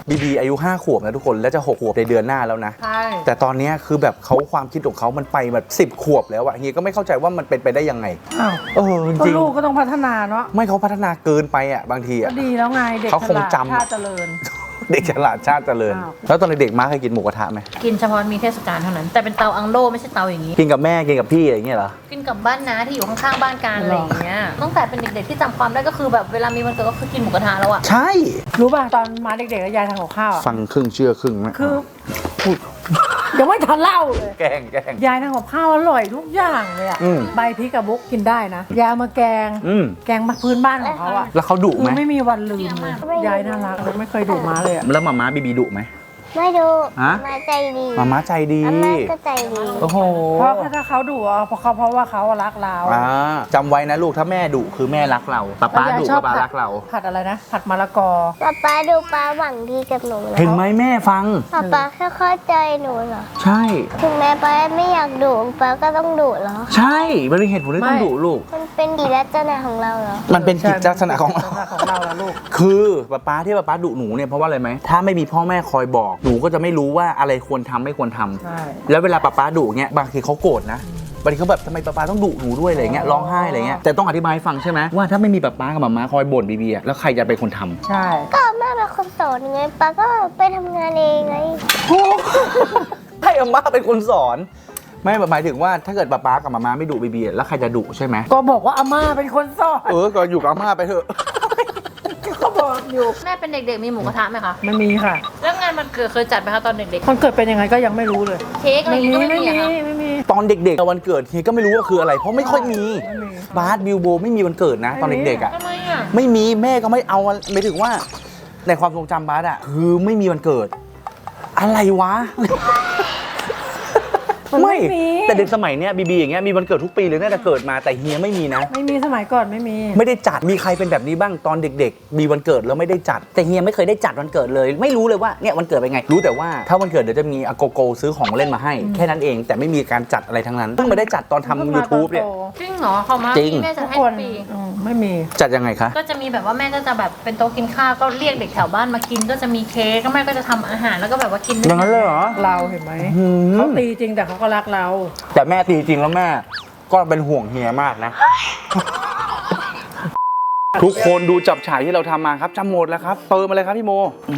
A: บีบีอายุห้าขวบนะทุกคนแล้วจะหกขวบในเดือนหน้าแล้วนะ
B: ใช่
A: แต่ตอนนี้คือแบบเขาความคิดของเขามันไปแบบสิบขวบแล้วอะเฮียก็ไม่เข้าใจว่ามันเป็นไปได้ยังไง
B: อ้าว
A: เออจ
B: ก็
A: ริง
B: ลูกก็ต้องพัฒนาเนาะ
A: ไม่เขาพัฒนาเกินไปอะบางที
B: ก็
A: อะ
B: ดีแล้วไงเด็ก
A: เขาคง
B: ฉลด
A: จำ
B: ชาติเจริญ
A: เด็กฉลาดชาติเจริญ
B: อ้าว
A: แล้วตอนเด็กๆมาเคยกินหมูกระทะไหม
C: กินเฉพาะมีเทศกาลเท่านั้น แต่เป็นเตาอังโล่ไม่ใช่เตาอย่างนี้
A: กินกับแม่กินกับพี่อะไรอย่างเงี้ยเหรอ
C: กินกับบ้านน้าที่อยู่ข้างๆบ้านกันอะไรอย่างเงี้ยตั้งแต่เป็นเด็กๆที่จำความได้ก็คือแบบเวลามีวันเกิดก็คือกินหมูกระทะแล้วอะ
A: ใช่
B: รู้ป่ะตอนมาเด็กๆกับยายทำกับข้าวอะ
A: ฟังครึ่งเชื่อครึ่งนะ
B: คือยังไม่ทันเล่าเลย
A: แกล้งแกล้ง
B: ยายทำกับข้าวอร่อยทุกอย่างเลยอะ
A: อืม
B: ใบพริกกับบุ๊กกินได้นะยายเอามาแกง
A: อืม
B: แกงมาพื้นบ้านของเขาอะ
A: แล้วเขาดุ
B: คื
A: ไหม
B: อไม่มีวันลืมเลยยายน่ารักเลยไม่เคยดุมาเลยอะ
A: แล้วหมาม้าบีบีดุไหม
D: ไม่ดู
A: ฮะ
D: มาใจดี
A: หมาม้าใจดี
D: อาม่าก็ใจดี
A: โอ้โห
B: เพราะถ้าเขาดุอะเพราะเขาเพราะว่าเขารักเรา
A: อ่าจำไว้นะลูกถ้าแม่ดุคือแม่รักเราป้าป้าดุ
B: แล้วยยชอบ
A: ป้า
B: ผัด
A: รักเรา
B: ผัดอะไรนะ ผัดมะละกอ
D: ป๊าป๊าดูป๊าหวังดีกับหนูนะ
A: เห็นไหมแม่ฟัง
D: ป๊าป๊าแค่เข้าใจหนูเหรอ
A: ใช่
D: ถึงแม้ป๊าไม่อยากดุป๊าก็ต้องดุเหรอ
A: ใช่มันเป็นเหตุผลที่ต้อง
B: ไม่
A: ดุลูก
D: มันเป็นดีลักษณะของเราเหรอ
A: มันเป็นกิจลักษณะของเรา
B: ลักษณะของเราละลูก
A: คือป้าป้าที่ป้าป้าดุหนูเนี่ยเพราะว่าอะไรไหมถ้าไม่มีพ่อแม่คอยบอกหนูก็จะไม่รู้ว่าอะไรควรทำไม่ควรทำ
B: ใช่
A: แล้วเวลาป้าป้าดุเงี้ยบางทีเขาโกรธนะบางทีเขาแบบทำไมป้าป้าต้องดุหนูด้วยอะไรเงี้ยร้องไห้อะไรเงี้ยแต่ต้องอธิบายให้ฟังใช่ไหมว่าถ้าไม่มีป้าป้ากับมาม่าคอยบ่นบีบีอะแล้วใครจะเป็นคนทำ
B: ใช่
D: ก็แม่เป็นคนสอนไงป๊าก็ไปทำงานเองไง
A: ให้อาม่าเป็นคนสอน ไม่หมายถึงว่าถ้าเกิดป้าป้ากับมาม่าไม่ดุบีบีอะแล้วใครจะดุใช่ไหม
B: ก็บอกว่าอาม่าเป็นคนสอน
A: เออก็อยู่กับอาม่าไปเถอะ
B: ก็บอกอยู่
C: แม่เป็นเด็กๆมีหมูกระทะไหมคะ
B: ไม่มีค่ะ
C: แล้วงานมันเกิดเคยจัดไหมคะตอนเด็ก
B: คนเกิดเป็นยังไงก็ยังไม่รู้เลย
C: ๆ เค้กอะไรอ
B: ไม่
C: ย่าง
B: มี
C: งี้ก็ไม่
B: ไม่
C: มี
B: มี
C: อะค่ะ
B: ไม่มี
A: ตอนเด็กๆวันเกิดเฮียก็ไม่รู้ว่าคืออะไร เพราะไม่ค่อยมี
B: ไม่มี
A: บาสบิวโบไม่มีวันเกิดนะ ตอนเด็กๆอ่ะ
C: ทำไมอะ
A: ไม่มีแม่ก็ไม่เอาไม่ถึงว่าในความทรงจำบาสอ่ะคือไม่มีวันเกิด อะไรวะ
B: มันไม่มี
A: แต่เด็กสมัยเนี้ยบีบีอย่างเงี้ยมีวันเกิดทุกปีเลยน่าจะเกิดมาแต่เฮียไม่มีนะ
B: ไม่มีสมัยก่อนไม่มี
A: ไม่ได้จัดมีใครเป็นแบบนี้บ้างตอนเด็กๆ มีวันเกิดแล้วไม่ได้จัด แต่เฮียไม่เคยได้จัดวันเกิดเลย ไม่รู้เลยว่าเนี่ยวันเกิดเป็นไง รู้แต่ว่าถ้าวันเกิดเดี๋ยวจะมีอาโกโกซื้อของเล่นมาให้ แค่นั้นเองแต่ไม่มีการจัดอะไรทั้งนั้นเพิ่งมาได้จัดตอนทำ YouTube เนี่ย
C: จริงเหรอเขามา
A: จริง
C: แม่จะ
B: ทุก
C: ให้
B: ค
C: ทุ
B: น
C: กปี
B: อืมไม่มี
A: จัดยังไงคะ
C: ก็จะมีแบบว่าแม่ก็จะแบบเป็นโต๊ะกินข้าวก็เรียกเด็กแถวบ้านมากินก็จะมีเค้กก็แม่ก็จะทำอาหารแล้วก็แบบว่ากิน
A: อย่างนั้นเลยเหรอ
B: เราเห็นไหม
A: หืม
B: เขาตีจริงแต่เขาก็รักเรา
A: แต่แม่ตีจริงแล้วแม่ก็เป็นห่วงเฮียมากนะ ทุกคนดูจับฉ่ายที่เราทำมาครับจำหมดแล้วครับเติมมาเลยครับพี่โมอื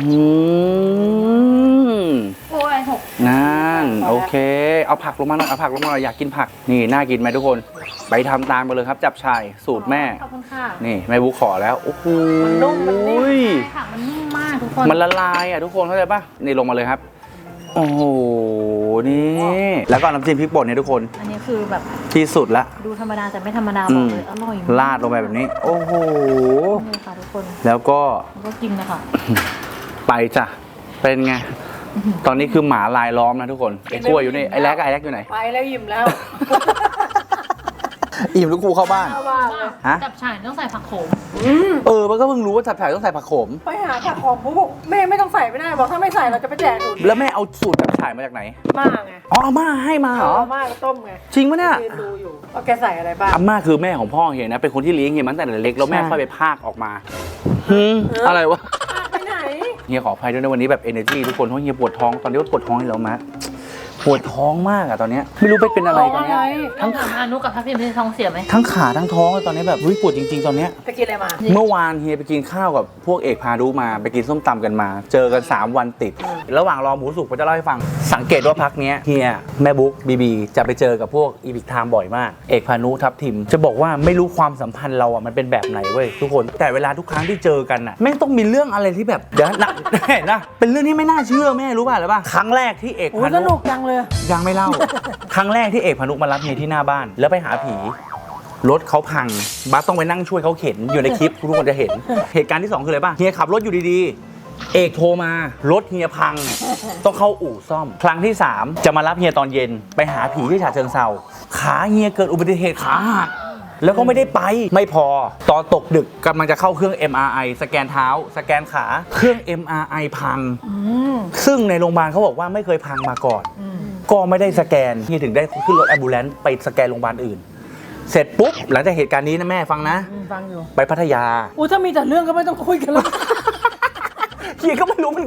A: ม
C: โอ้ยหก
A: นั่นโอเค เอาผักลงมาหน่อยเอาผักลงมาหน่อยอยากกินผักนี่น่ากินไหมทุกคนไปทำตามไปเลยครับ จับฉ่ายสูตรแม่
C: ขอบคุณค่ะ
A: นี่แม่บุ๊กขอแล้วโอ้โห
B: มันนุ่มมันนิ่ม
C: ใช่ค่ะมันนิ่มมากทุกคน
A: มันละลายอ่ะทุกคนเข้าใจปะนี่ลงมาเลยครับโอ้โหนี่แล้วก็น้ำจิ้มพริกป่นเนี่ยทุกคน
C: อันนี้คือแบบ
A: ที่สุดละ
C: ดูธรรมดาแต่ไม่ธรรมดา
A: อื
C: บอก
A: ม
C: เลยอร่อยมาก
A: ลาดลงไปแบบนี้ โอ้โห
C: นี่ค่ะทุกคน
A: แล้วก็
C: แล้วก็กินนะคะ
A: ไปจ้ะเป็นไง ตอนนี้คือหมาลายล้อมนะทุกคนไอ้กล้วยอยู่นี่ไอ้แรกกับไอ้แรกอยู่ไหน
B: ไปแล้วยิ้มแล้ว
A: อิ่มลูกครูเข้าบ้าน
B: เข้าบ้านเลย
A: ฮะ
C: จับฉ่ายต้องใส่ผักโขม
B: อืม
A: เออมันก็เพิ่งรู้ว่าจับฉ่ายต้องใส่ผักโขม
B: ไปหาผักของปุ๊บบอกแม่ไม่ต้องใส่ไม่ได้บอกถ้าไม่ใส่เราจะไปแจกหนู
A: แล้วแม่เอาสูตรจับฉ่ายมาจากไหน
B: มากไง
A: อ๋ออาม่าให้มาเหรอ
B: เอามากต้มไง
A: จริงปะเนี่ย
B: ยืนดูอยู่ว่าแกใส่อะไรบ้าง
A: อาม่าคือแม่ของพ่อเฮียนะ เป็นคนที่เลี้ยงเฮียมาตั้งแต่เล็กแล้วแม่
B: ใช่
A: ค่อยไปพากออกมาหืมอะไรวะ
B: ไปไหน
A: เฮียขออภัยด้วยนะวันนี้แบบ energy ทุกคนเพราะเฮียปวดท้องตอนนี้ก็ปวดท้องให้แล้วมะปวดท้องมากอะตอนเนี้ยไม่รู้ไปเป็นอะไรตอนเนี้ย
C: ทั้งถามอานุกับทัพทิมที่ท้องเสียไหม
A: ทั้งขาทั้งท้องเลยตอนนี้แบบอุ๊ยปวดจริงๆตอนเนี้ย
B: ไปกินอะไรมา
A: เมื่อวานเฮียไปกินข้าวกับพวกเอกพารุมาไปกินส้มตำกันมา เจอกันสามวันติด ระหว่างรอหมูสุกผมจะเล่าให้ฟัง สังเกตว่าพักเนี้ยเฮียแม่บุ๊กบีบีจะไปเจอกับพวกอีพิกไทม์บ่อยมาก เอกพานุทับทิม จะบอกว่าไม่รู้ความสัมพันธ์เราอ่ะมันเป็นแบบไหนเว้ยทุกคนแต่เวลาทุกครั้งที่เจอกันอ่ะแม่งต้องมีเรื่องอะไรที่แบบเดี๋ยวนะ เห็นนะเป็นเรื่องที่ไม่น่าเชื่อแม่รู้ป่ะหรือป่ะครั้งแรกที่เอก
B: โอ้
A: พาย
B: ส
A: นุ
B: นุกจังเลย
A: ยังไม่เล่า ครั้งแรกที่เอกพานุมารับเฮียที่หน้าบ้าน แล้วไปหาผี รถเขาพังบัสต้องไปนั่งช่วยเขาเข็นอยู่ในคลิป ทุกคนจะเห็น เหตุการณ์ที่สองคืออะไรป่ะเฮียขับรถอยู่ดีๆ เอกโทรมารถเฮียพัง ต้องเข้าอู่ซ่อม ครั้งที่สามจะมารับเฮียตอนเย็น ไปหาผีที่ฉะเชิงเทราขาเฮียเกิดอุบัติเหตุขาหักแล้วก็ไม่ได้ไปไม่พอตอนตกดึกกำลังจะเข้าเครื่อง เอ็ม อาร์ ไอ สแกนเท้า สแกนขาเครื่อง เอ็ม อาร์ ไอ พัง
B: อืม
A: ซึ่งในโรงพยาบาลเขาบอกว่าไม่เคยพังมาก่อน
B: อืม
A: ก็ไม่ได้สแกนเฮียถึงได้ขึ้นรถแอมบูเลนซ์ไปสแกนโรงพยาบาลอื่น เสร็จปุ๊บหลังจากเหตุการณ์นี้นะแม่ฟังนะ
B: ฟังอยู่
A: ไปพัทยา
B: อู้ถ้ามีแต่เรื่องก็ไม่ต้องคุยกันแล้ว
A: เฮียก็ไม่รู้เหมือน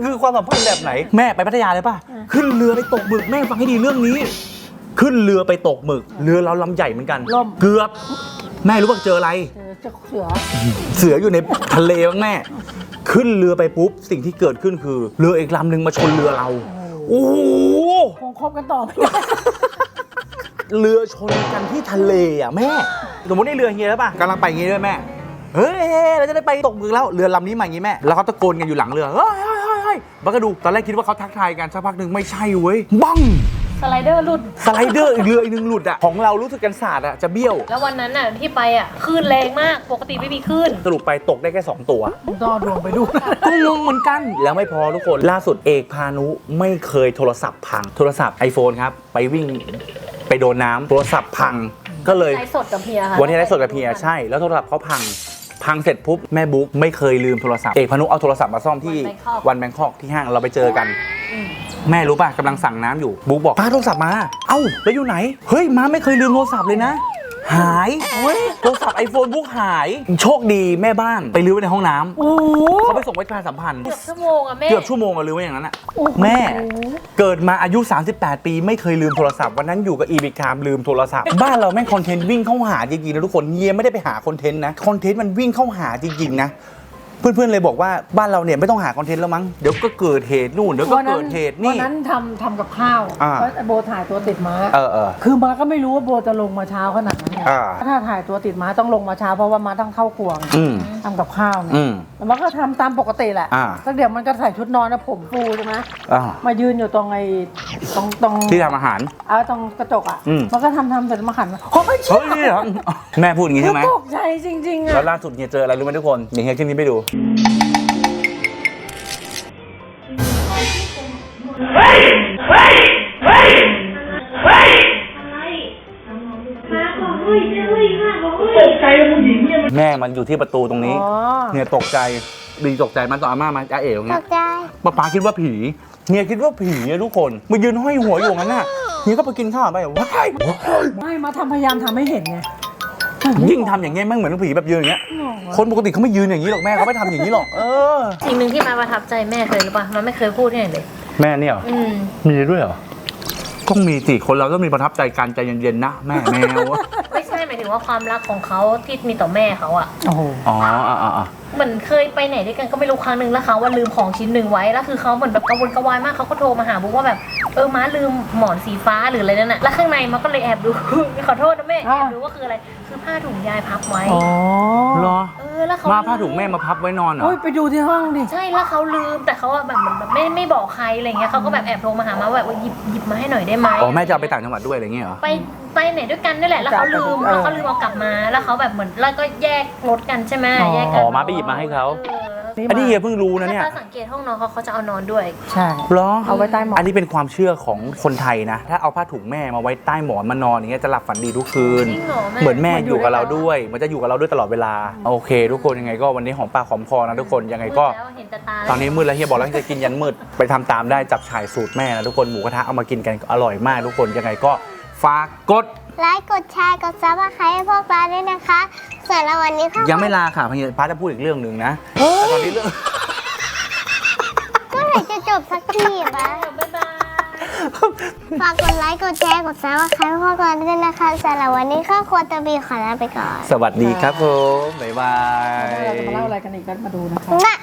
A: คือความสัมพันธ์แบบไหนแม่ไปพัทยาเลยป่ะขึ้นเรือไปตกหมึกแม่ฟังให้ดีเรื่องนี้ ขึ้นเรือไปตกหมึกเรือเราลำใหญ่เหมือนกัน
B: ล่ม
A: เกือบแม่รู้ป่ะเจออะไร
B: เออเจะเสือ
A: เสืออยู่ในทะเลบ้างแม่ขึ้นเรือไปปุ๊บสิ่งที่เกิดขึ้นคือเรืออีกลำหนึ่งมาชนเรือเราโอ้โห
B: คงคบกันต่อ
A: เรือชนกันที่ทะเลอ่ะแม่สมมติในเรืออย่างเงี้ยแล้วป่ะกำลังไปอย่างงี้ด้วยแม่เฮ้ยเราจะได้ไปตกหมึกแล้วเรือลำนี้มาอย่างงี้แม่แล้วเขาตะโกนกันอยู่หลังเรือเฮ้ยเฮ้ยเฮ้ยเฮ้ยบักกระดูตอนแรกคิดว่าเขาทักทายกันสักพักหนึ่งไม่ใช่เว้ยบัง
C: สไลเดอร์หลุด
A: สไลเดอร์อีกเรืออีกหนึ่งหลุดอ่ะของเรารู้สึกกันศาสตร์อ่ะจะเบี้ยว
C: แล้ววันนั้นน่ะที่ไปอ่ะคลื่นแรงมากปกติไม่มีคลื่น
A: สรุปไปตกได้แค่สองตัว
B: ต่อดวงไปดู
A: ก็งงเหมือนกันแล้วไม่พอทุกคนล่าสุดเอกพานุไม่เคยโทรศัพท์พังโทรศัพท์ iPhone ครับไปวิ่งไปโดนน้ำโทรศัพท์พังก็เลย
C: ไลฟ์สดกับเพียค่ะ
A: วันที่ไลฟ์สดกับเพียใช่แล้วโทรศัพท์เขาพังพังเสร็จปุ๊บแม่บุ๊กไม่เคยลืมโทรศัพท์เอกพานุเอาโทรศัพท์มาซ่อมที่วันแบงคอกที่ห้างเราไปเจอกัน แม่รู้ป่ะกำลังสั่งน้ำอยู่บุ๊กบอกป้าโทรศัพท์มาเอ้าแล้วอยู่ไหนเฮ้ยม้าไม่เคยลืมโทรศัพท์เลยนะหายเฮ้ยโทรศัพท์ไอโฟนบุ๊กหายโชคดีแม่บ้านไปลืมไว้ในห้องน้ำ
B: โอ้โห
A: เขาไปส่งไว้ประชาสัมพันธ์
C: เกือบชั่วโมงอะแม่
A: เกือบชั่วโมงอะลืมไว้อย่างนั้นอะ
B: โอ้โห
A: แม่เกิดมาอายุ สามสิบแปด ปีไม่เคยลืมโทรศัพท์วันนั้นอยู่กับอีบิคามลืมโทรศัพท์ บ้านเราแม่งคอนเทนต์วิ่งเข้าหาจริงๆนะทุกคนเฮียไม่ได้ไปหาคอนเทนต์นะคอนเทนต์มันวิ่งเข้าหาจริงๆนะเพื่อนๆเลยบอกว่าบ้านเราเนี่ยไม่ต้องหาคอนเทนต์แล้วมั้งเดี๋ยวก็เกิดเหตุนู่นเดี๋ยวก็
B: วันนั้
A: เกิ
B: น
A: ดเหตุ
B: วัน
A: นี่
B: นั้นทำทำกับข้าว
A: อ่า
B: เพราะโบถ่ายตัวติดม้า
A: เออเออ
B: คือม้าก็ไม่รู้ว่าโบจะลงมาเช้าขนาดนั้นไง
A: อ่า
B: ถ้าถ่ายตัวติดม้าต้องลงมาเช้าเพราะว่าม้าต้องเข้าครัวไง
A: อืม
B: ทำกับข้าวไง
A: อืม
B: แล้วมันก็ทำตามปกติแหละ
A: อ่า
B: สักเดี๋ยวมันก็ใส่ชุดนอนนะผมฟูใช่ไหม
A: อ่า
B: มายืนอยู่ตรงไอ้ตรงตรง
A: ที่ทำอาหาร
B: เอาตรงกระจกอ่ะ
A: อืม
B: มันก็ทำทำเสร็จมาขันโอ้ย
A: เฮ้ยนี่เหรอแม่พูดอย่างงี้ใช่ไหม
B: ตกใจจริงๆ
A: แล้
B: อ่ะ
A: วล่าสุดเนี่ยเจออะไรรู้ไหมทุกคนเดี๋ยวเฮียขึ้นนี้ไปดูแม่มันอยู่ที่ประตูตรงนี้
B: อ๋อ
A: เนี่ยตกใจดีตกใจมันต่ออาม่ามาจ้าเอ๋ตรง
D: ต
A: เนี้ย
D: กใจ
A: ป้าป๋าคิดว่าผีเนี่ยคิดว่าผีอะทุกคนมายืนห้อยหัวอยู่งั้นน่ะเนี่ยก็ไปกินข้าวไปว้าย
B: ไม่มาทำพยายามทำให้เห็นไง
A: ยิ่งทำอย่างเงี้ยมันเหมือนผีแบบยืนอย่างเงี้ยคนปกติเขาไม่ยืนอย่างนี้หรอกแม่เขาไม่ทำอย่างนี้หรอกเออ
C: สิ่งหนึ่งที่มาประทับใจแม่เคยหรือเปล่ามันไม่เคยพูดที่ไหนเลย
A: แม่เนี่ยเหรอ
C: อืม
A: มีด้วยเหรอต้องมีสิคนเราต้องมีประทับใจการใจเย็นๆนะแม่แมว
C: ไม่ใช่หมายถึงว่าความรักของเขาที่มีต่อแม่เขาอะ
B: โอ้โห
A: อ๋ออ่าอ่า
C: เหมือนเคยไปไหนด้วยกันก็ไม่รู้ครั้งหนึ่งแล้วเขาว่าลืมของชิ้นหนึ่งไว้แล้วคือเขาเหมือนแบบกระวนกระวายมากเขาก็โทรมาหาบุ๊กว่าแบบเออม้าลืมหมอนสีฟ้าหรืออะไรนั่นน่ะแล้วข้างในมันก็เลยแอบดู ขอโทษนะแม่แอบดูว่าคืออะไรคือผ้าถุงยายพับไว้
B: อ๋อ
A: เหรอ
C: เออแล้วเขา
A: มาผ้าถุงแม่มาพับไว้นอนเหรอ
B: โอ้ยไปดูที่ห้องดิ
C: ใช่แล้วเขาลืมแต่เขาอะแบบเหมือนแบบไม่ไม่บอกใครอะไรเงี้ยเขาก็แบบแอบโทรมาหามาว่าแบบว่าหยิบหยิบมาให้หน่อยได้ไหม
A: อ๋อแม่จะเอาไปต่างจังหวัดด้วยอะไรเงี้ยเหรอ
C: ไปไปไหนด้วยกันนี่แหละแล้วเขาลืมแล้วเขาลืมเอากลับมาแล้วเขาแบบเหมือนแล้วก็แยกรถกันใช่ไหมแยกกั
A: อ๋อมาไปหยิบมาให้เขา
C: เออ
A: อันนี้เฮียเพิ่งรู้นะเนี่ย
C: ถ้าสังเกตห้องนอนเขาเขาจะเอานอนด้วย
B: ใช่
A: เหรอ
B: เอาไว้ใต้หมอน
A: อันนี้เป็นความเชื่อของคนไทยนะ ถ้าเอาผ้าถุงแม่มาไว้ใต้หมอนมานอนอย่างเงี้ยจะหลับฝันดีทุกคืน
C: จริงเหรอแม่
A: เหมือนแม่อยู่กับเราด้วยมันจะอยู่กับเราด้วยตลอดเวลาโอเค ทุกคนยังไงก็วันนี้หอมปากหอมคอนะทุกคนยังไงก็
C: มืดแล้วเห็นแต่ตา
A: ตอนนี้มืดแล้วเฮียบอกแล้วจะกินยันมืดไปทำตามได้จับฉ่ายสูตรแม่นะทุกคนหมูกระทะเอามากินกันอร่อยมากทุกคนยังไงก็ฝากกด
D: ไลค์กดแชร์กดซับสไครต์ให้พวกเราด้วยนะคะส่วนเราวันนี้ค่ะ
A: ยังไม่ลาค่ะพี่ป้าจะพูดอีกเรื่องหนึ่งนะแต่ตอนนี้เรื่อง
D: เมื่อไหร่จะจบสักทีปะ
C: บ๊ายบาย
D: ฝากกดไลค์กดแชร์กดซับสไครต์ให้พวกเราด้วยนะคะสำหรับวันนี้ก็ควรจะมีขอลาไปก่อน
A: สวัสดีครับผมบ๊ายบาย
B: เราจะมาเล่าอะไรกันอีกก็มาดูนะคะ
D: นะ